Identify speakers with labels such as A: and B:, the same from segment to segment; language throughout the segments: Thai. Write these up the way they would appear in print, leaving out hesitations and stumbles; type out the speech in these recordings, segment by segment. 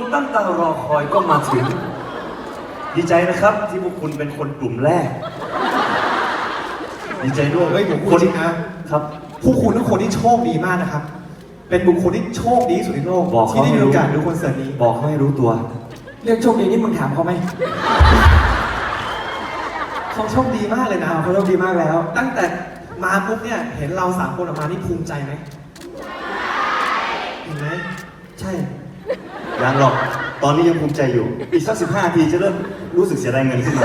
A: ตั้งตารอคอยก็มาถึงดีใจนะครับที่พวกคุณเป็นคนกลุ่มแรกดีใจด้วย
B: เฮ้ยผมพูดจริงนะครับ ผู้คุณทุกคนที่โชคดีมากนะครับเป็นบุคคลที่โชคดีที่สุดในโลกที่ได้มีโอกาสดูคอนเสิร์ตนี้
A: บอกเขาให้รู้ตัว
C: เรื่องโชคดีนี่มึงถามเขาไหม
B: เขาโชคดีมากเลยนะ
C: เขาโชคดีมากแล้ว
B: ตั้งแต่มาปุ๊บเนี่ยเห็นเรา3 คนออกมานี่ภูมิใจไหมเห็นไหม
C: ใช่
A: ยังหรอกตอนนี้ยังภูมิใจอยู่อีกสัก15 นาทีจะเริ่มรู้สึกเสียดายเงินขึ้นมา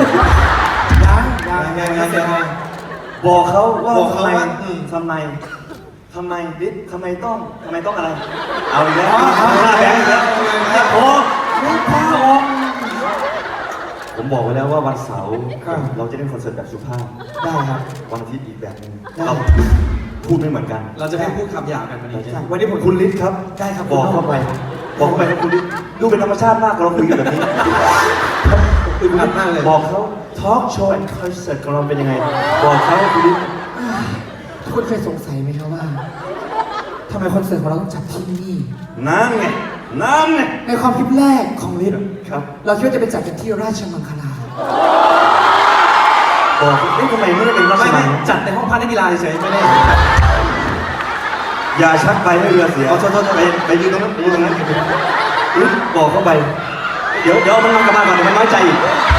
C: ยัง
A: บอกเขาว่า
B: บอกเขาว่า
A: ทำไมดิทำไมต้องอะไร เอาอีกแล้ว
B: เอาอีกแล้ว
A: แบงค์อีกแล้วโอ้ไม่พอผมบอกไว้แล้วว่าวันเสาร์เราจะเล่นคอนเสิร์ตแบบสุภาพ
C: ได้ครับ
A: วันอาทิตย์อีกแบบนึงเราพูดไม่เหมือนกัน
B: เราจะไม่พูดคำหยาบกันวันนี้
C: วันนี้ผม
A: คุณฤทธิ์ครับ
C: ได้ครับ
A: บอกเข้าไปครับคุณฤทธิ์ดูเป็นธรรมชาติมากเราคุยกันแบบนี้
B: อึดอัดมากเลย
A: บอกเขาทอล์กโชว์แอนด์คอนเสิร์ตของเราเป็นยังไง บอกเขาคุณฤทธิ์
C: คุณเคยสงสัยไหมครับว่าทำไมคอนเสิร์ตของเราต้องจัดที่นี่
A: น้ำไง
C: ในความคิดแรกของลิศ
A: ครับ
C: เราคิดว่าจะไปจัดกันที่ราชมังคลา
A: บอกทำไมไม่ได้เป็นราช
B: ไม่
A: มัง
B: จัดในห้องพักนักกีฬาเฉยๆไม่ได้
A: อย่าชักไปให้เรือเสียโทษไปยืนตรงนั้นฤทธิ์บอกเข้าไป เดี๋ยวมันกลับมาก่อนเดี๋ยวมันน้อยใจอีก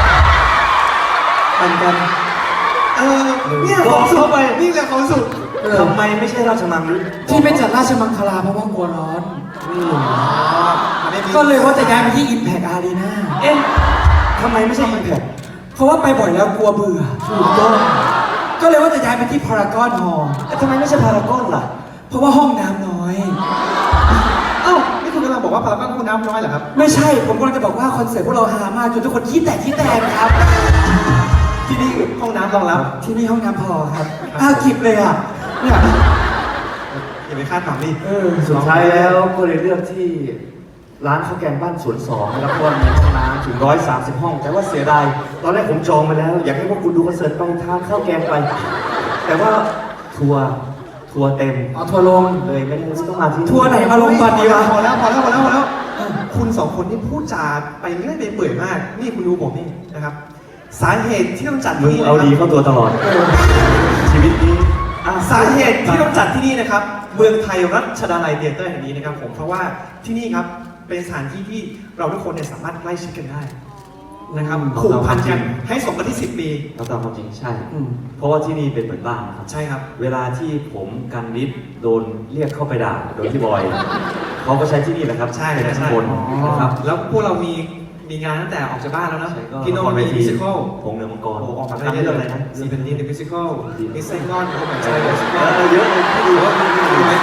C: ปันกัน
B: เนี่ย
A: บอกเข้าไป
B: นี่แหละความสุข
A: ทำไมไม่ใช่ราชมังฤทธิ์
C: ที่ไปจัดราชมังคลาเพราะว่ากลัวร้อน
B: มันไม่มี
C: ก็เลยว่าจะย้ายไปที่ Impact Arena
A: เอ๊ะทำไมไม่ใช่อิมแพค
C: เพราะว่าไปบ่อยแล้วกลัวเบื่อ
A: ถูกต้อง
C: ก็เลยว่าจะย้ายไปที่ Paragon Hall
A: ทำไมไม่ใช่พารากอนล่ะ
C: เพราะว่าห้องน้ำน้อย
B: เอ้านี่คุณกำลังบอกว่าพารากอนคุณน้ำน้อยเหรอครับ
C: ไม่ใช่ ผมกำลังจะบอกว่าคอนเสิร์ตพวกเราฮามากจนทุกคนขี้แตกครับ
B: ที่นี่ห้องน้ำรองรับ
C: ที่นี่ห้องน้ำพอครับอ้าวกิบเลยอ่ะเนี่ย
B: อย่าไปคาดหวังดิ
A: สุดท้ายแล้วก็เลยเลือกที่ร้านข้าวแกงบ้านสวน2นะครับเพราะว่ามีห้องน้ำถึง130 ห้อง แต่ว่าเสียดายตอนแรกผมจองมาแล้ว อยากให้พวกคุณดูคอนเสิร์ตไปทานข้าวแกงไป แต่ว่าทัวร์เต็ม
C: เอาทัวร์ลง
A: เลยไม่ได้ต้องมาที่
C: ทัวร์ไหนมาลงตอนนี้วะ
B: พอแล้วคุณ2 คนนี่พูดจาไปเรื่อยไปเปื่อยมาก นี่คุณดูผมนี่นะครับ สาเหตุที่ต้องจัด
A: มึง
B: ที่นี่
A: เอาดีเข้าตัวตลอดชีวิตนี้
B: สาเหตุที่ต้องจัดที่นี่นะครับ เมืองไทยรัชดาลัยเธียเตอร์แห่งนี้นะครับผมเพราะว่าที่นี่ครับเป็นสถานที่ที่เราทุกคนเนี่ยสามารถใกล้ชิดกันได้นะครับผูกพันกันให้สมกันที่10 ปี
A: เราตามความจริงใช่ เพราะว่าที่นี่เป็นเหมือนบ้านนะครับ
B: ใช่ครับ
A: เวลาที่ผมกันนิดโดนเรียกเข้าไปด่าโดยพี่บอยเขาก็ใช้ที่นี่แหละครับ
B: ใช่
A: เป็น
B: ใช่
A: ข้างบนนะครับ
B: แล้วพวกเรามีงานตั้งแต่ออกจากบ้านแล้วนะ
A: ใช่ก็
B: พี่โน้ตมีมิวสิควล
A: ผงเหนือมังกร
B: โอ้ออกมา
A: ทำ
B: ได้
A: เรื่องอะไรนะ
B: ซีเป็นดีนมิวสิควลมิสเซนกอนเขาเหมือนใช่มิวสิควล
A: เยอะเลยพี่ดูว่า
B: ดูไหม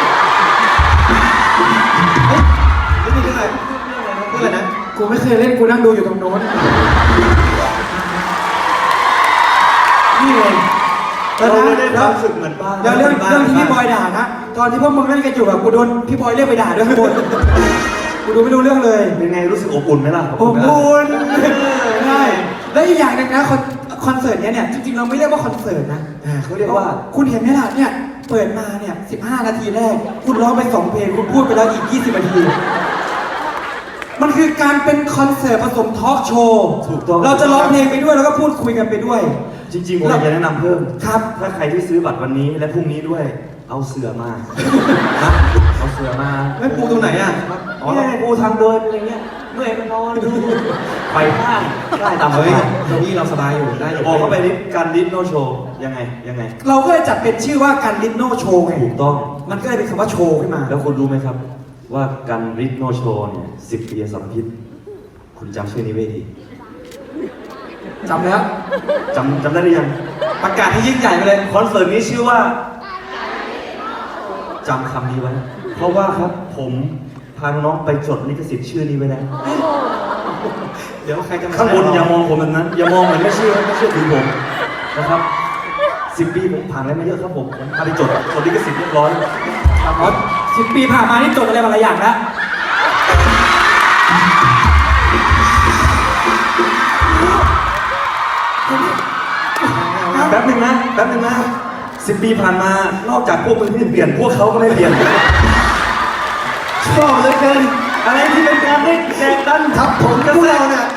B: นี่มีเรื่องอะไรเรื่องอะไรนะ
C: กูไม่เคยเล่นกูนั่งดูอยู่ตรงโน้นนี่เลย
A: เราได้ความรู้สึกเหมือนบ้าน
C: เดี๋ยวเรื่องที่พี่บอยด่านะ ตอนที่พวกมึงเล่นกันอยู่แบบกูโดนพี่บอยเรียกไปด่าด้วยข้างบนกูดูไม่รู้เรื่องเลย
A: เป็นไงรู้สึกอบอุ่นไหมล่ะ
C: อบอุ่นใช่แล้วอีกอย่างหนึงนะคอนเสิร์ตเนี้ยเนี่ยจริงๆเราไม่เรียกว่าคอนเสิร์ตนะ
A: เขาเรียกว่า
C: คุณเห็นไหมล่ะเนี่ยเปิดมาเนี่ย15 นาทีแรก คุณร้องไป2 เพลงคุณพูดไปแล้วอีก20 นาที มันคือการเป็นคอนเสิร์ตผสมทอล์กโชว์
A: ถูกต้อง
C: เราจะร้องเพลงไปด้วยแล้วก็พูดคุยกันไปด้วย
A: จริงๆผมอยากจะแนะนำเพิ่ม
C: ครับ
A: ถ้าใครที่ซื้อบัตรวันนี้และพรุ่งนี้ด้วย เอาเสือมานะเอาเสือมา
B: ไม่ปูตรงไหนอ่ะ
A: อ๋อเนี่ยปูทางเดินอะไรเงี้ยเมื่อยไปนอนดูไปห้างได้ตาม
B: เฮ้ย
A: สบาย
B: ตรงนี้เราสบายอยู่ได้อยู่
A: บอกเข้าไปนิดการดิสโนโชว์ยังไง
C: เราก็เลยจัดเป็นชื่อว่าการลิทโนโชว์ไง
A: ถูกต้อง
C: มันก็เลยเป็นคำว่าโชว์ขึ้นมา
A: แล้วคุณรู้ไหมครับ ว่าการดิสโนโชว์เนี่ย10 ปีสารพิษคุณจำชื่อนี้ไว้ดี
C: จำแล้ว
A: จำได้หรือยัง
B: ประกาศที่ยิ่งใหญ่ไปเลย
A: คอนเสิร์ตนี้ชื่อว่าจำคำนี้ไว้ เพราะว่าครับผมพาน้องไปจดลิขสิทธิ์ชื่อนี้ไว้แล้ว
B: เดี๋ยวใครจะมา
A: ข้างบนอย่ามองผมแบบนั้น อย่ามองเหมือนไม่เชื่อถือผมนะครับ10 ปีผมผ่านอะไรมาเยอะครับผมพาไปจดลิขสิทธิ์เรียบร้อย
C: ครับรถ10 ปีผ่านมานี่จดอะไรมาหลายอย่างแล้ว
A: แป๊บหนึงนะ10 ปีผ่านมานอกจากพวกมึงที่เปลี่ยนพวกเขาก็ไม่เปลี่ยนชอบเหลยเกินอะไรที่เป็นการได้แจก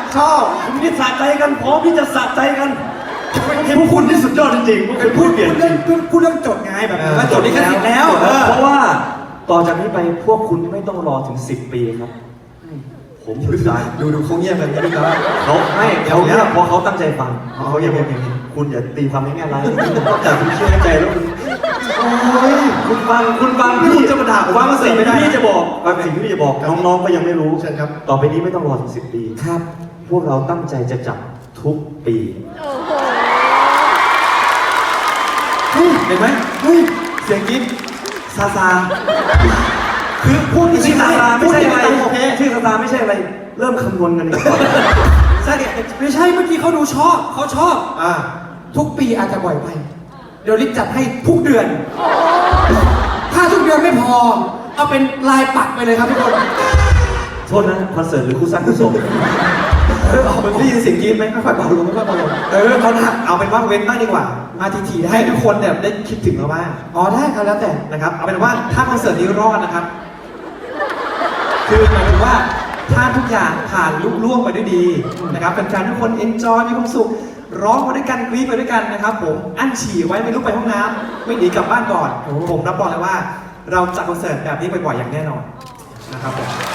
B: ชอบ
A: คุณนี่สะใจกันพร้อมที่จะสะใจกันพวกคุณนี่สุดยอดจริงๆพวกคุณพูดเปลี่ยนจริง
C: พูดเรื่องจดไงแบบว่าจดลิขสิทธิ์แล้ว
A: เพราะว่าต่อจากนี้ไปพวกคุณไม่ต้องรอถึง10 ปีครับ ผมอยู่ได้
B: ดูเขาเงียบแบบนี้ดีกว่า
A: เขาไม่เขาเนี่ยเพราะเขาตั้งใจฟัง
B: เขาเงียบแบบนี้
A: คุณอย่าตีความในแง่ร้ายแต่คุณเชื่อในใจแล้วคุณโอ้ยคุณฟังพี่จะมาด่าผมว่าสิ่งที่พี่จะบอกสิ่งที่พี่จะบอกน้องๆก็ยังไม่รู้
B: เชิญครับ
A: ต่อไปนี้ไม่ต้องรอถึง10 ปี
C: ครับ
A: พวกเราตั้งใจจะจับทุกปี
B: เฮ้ยเห็นไหมเฮ้ยเสียงกรี๊ดซาซาคือพูดจริ
A: ชื่อง
B: ๆ
A: ซาซาไม่ใช่อะไร
B: โอเค
A: ชื่อซาซาไม่ใช่อะไร เริ่มคำนวณกันดีกว่า
B: ใช่เนี่ย
C: ไม่ใช่เมื่อกี้เขาดูชอบเขาชอบ
B: อ่า
C: ทุกปีอาจจะบ่อยไป เดี๋ยวลิศจัดให้ทุกเดือน ถ้าทุกเดือนไม่พอ เอาเป็นลายปักไปเลยครับทุกคน
A: โทษนะคอนเสิร์ตหรือคู่สร้างคู่สม
B: มันได้ยินเสียงกรี๊ดไหมค่อยๆเบาลงค่อยๆเบาลงเอาละเอาเป็นว่าเว้นบ้างดีกว่า
C: มาทีๆได้
B: ให้ทุกคนเนี่ยได้คิดถึงเราบ้าง
C: อ๋อได้ครับแล้วแต่
B: นะครับเอาเป็นว่าถ้าคอนเสิร์ตนี้รอดนะครับ คือหมายถึงว่าถ้าทุกอย่างผ่านลุล่วงไปด้วยดีนะครับแฟนๆทุกคนเอนจอยมีความสุขร้องไปด้วยกันกรี๊ดไปด้วยกันนะครับผมอั้นฉี่ไว้ไม่ลุกไปห้องน้ำไม่หนีกลับบ้านก่อนผมรับรองเลยว่า เราจัดคอนเสิร์ตแบบนี้บ่อยๆอย่างแน่นอนนะครับผม